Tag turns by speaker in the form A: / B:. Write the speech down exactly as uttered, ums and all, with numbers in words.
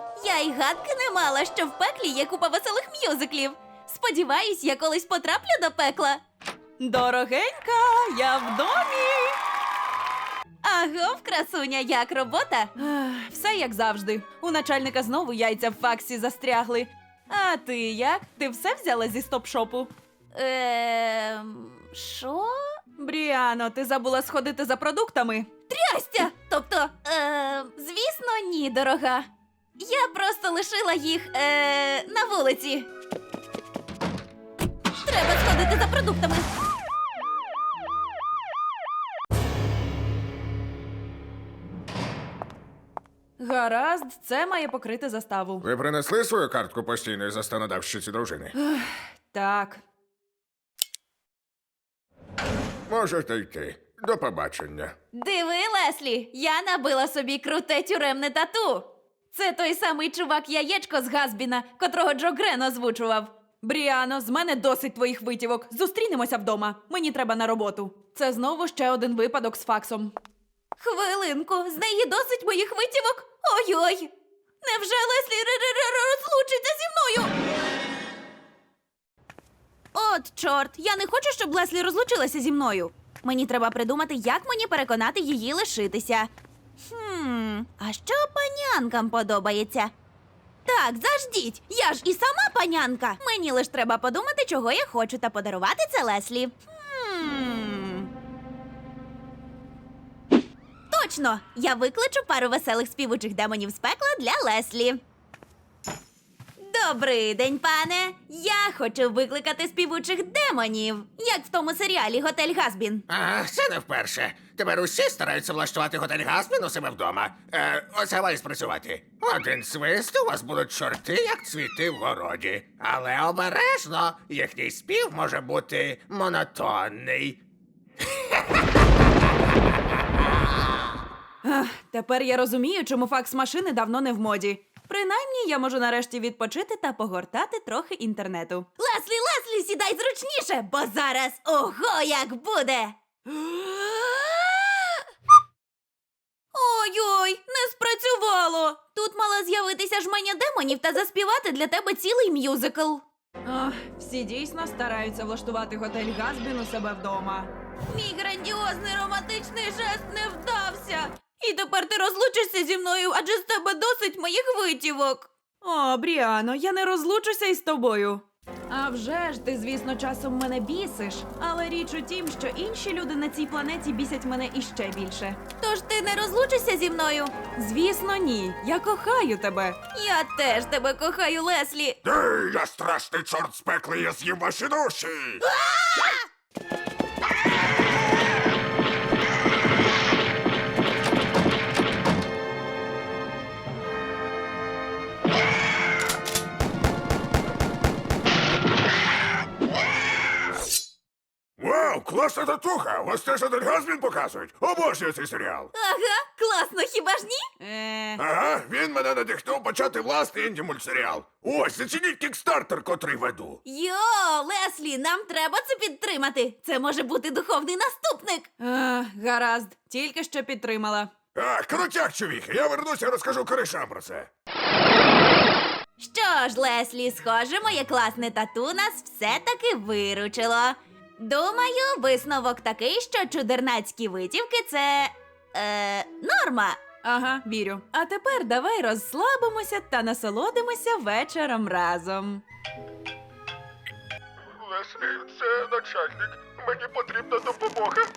A: Вау! Я й гадки не мала, що в пеклі є купа веселих мюзиклів. Сподіваюсь, я колись потраплю до пекла.
B: Дорогенька, я в домі.
A: Агов, красуня, як робота?
B: Ех, Все як завжди. У начальника знову яйця в факсі застрягли. А ти як? Ти все взяла зі стоп-шопу?
A: Ем... Що?
B: Бріано, ти забула сходити за продуктами?
A: Трястя! Тобто, е, звісно, ні, дорога. Я просто лишила їх е, на вулиці. Треба сходити за продуктами.
B: Гаразд, це має покрити заставу.
C: Ви принесли свою картку постійної застанодавщиці дружини?
B: Так.
C: Можете йти. До побачення.
A: Диви, Леслі, я набила собі круте тюремне тату. Це той самий чувак-яєчко з Газбіна, котрого Джо Грен озвучував.
B: Бріано, з мене досить твоїх витівок. Зустрінемося вдома. Мені треба на роботу. Це знову ще один випадок з факсом.
A: Хвилинку, з неї досить моїх витівок? Ой-ой! Невже Леслі р-р-р розлучиться зі мною? От, чорт, я не хочу, щоб Леслі розлучилася зі мною. Мені треба придумати, як мені переконати її лишитися. Хм, а що панянкам подобається? Так, заждіть, я ж і сама панянка. Мені лиш треба подумати, чого я хочу, та подарувати це Леслі. Хм... Точно! Я викличу пару веселих співучих демонів з пекла для Леслі. Добрий день, пане! Я хочу викликати співучих демонів, як в тому серіалі «Готель Газбін».
D: А, це не вперше. Тепер усі стараються влаштувати готель Газбін у себе вдома. Е, оце має спрацювати. Один свист, у вас будуть чорти, як цвіти в городі. Але обережно, їхній спів може бути монотонний.
B: Ах, тепер я розумію, чому факс-машини давно не в моді. Принаймні, я можу нарешті відпочити та погортати трохи інтернету.
A: Леслі, Леслі, сідай зручніше, бо зараз ого як буде! Ой-ой, не спрацювало! Тут мала з'явитися жменя демонів та заспівати для тебе цілий мюзикл.
B: Ах, всі дійсно стараються влаштувати готель Газбін у себе вдома.
A: Мій грандіозний романтичний жест не вдався. І тепер ти розлучишся зі мною, адже з тебе досить моїх витівок.
B: О, Бріано, я не розлучуся із тобою. А вже ж, ти, звісно, часом мене бісиш. Але річ у тім, що інші люди на цій планеті бісять мене іще більше.
A: Тож ти не розлучишся зі мною?
B: Звісно, ні. Я кохаю тебе.
A: Я теж тебе кохаю, Леслі.
C: Ей, я страшний чорт з пекла, я з'їм ваші душі! Вау, класна татуха! Вас теж один Газбін показують? Обожнюю цей серіал!
A: Ага, класно, хіба ж ні?
B: Е...
C: Ага, він мене надихнув почати власний інді-мультсеріал. Ось, зацініть кікстартер, котрий веду.
A: Йо, Леслі, нам треба це підтримати. Це може бути духовний наступник.
B: Ах, гаразд, тільки що підтримала.
C: А, крутяк, чувіхи, я вернуся і розкажу коришам про це.
A: Що ж, Леслі, схоже, моє класне тату нас все-таки виручило. Думаю, висновок такий, що чудернацькі витівки – це… Е, норма.
B: Ага, вірю. А тепер давай розслабимося та насолодимося вечором разом.
C: Леслі, це начальник. Мені потрібна допомога.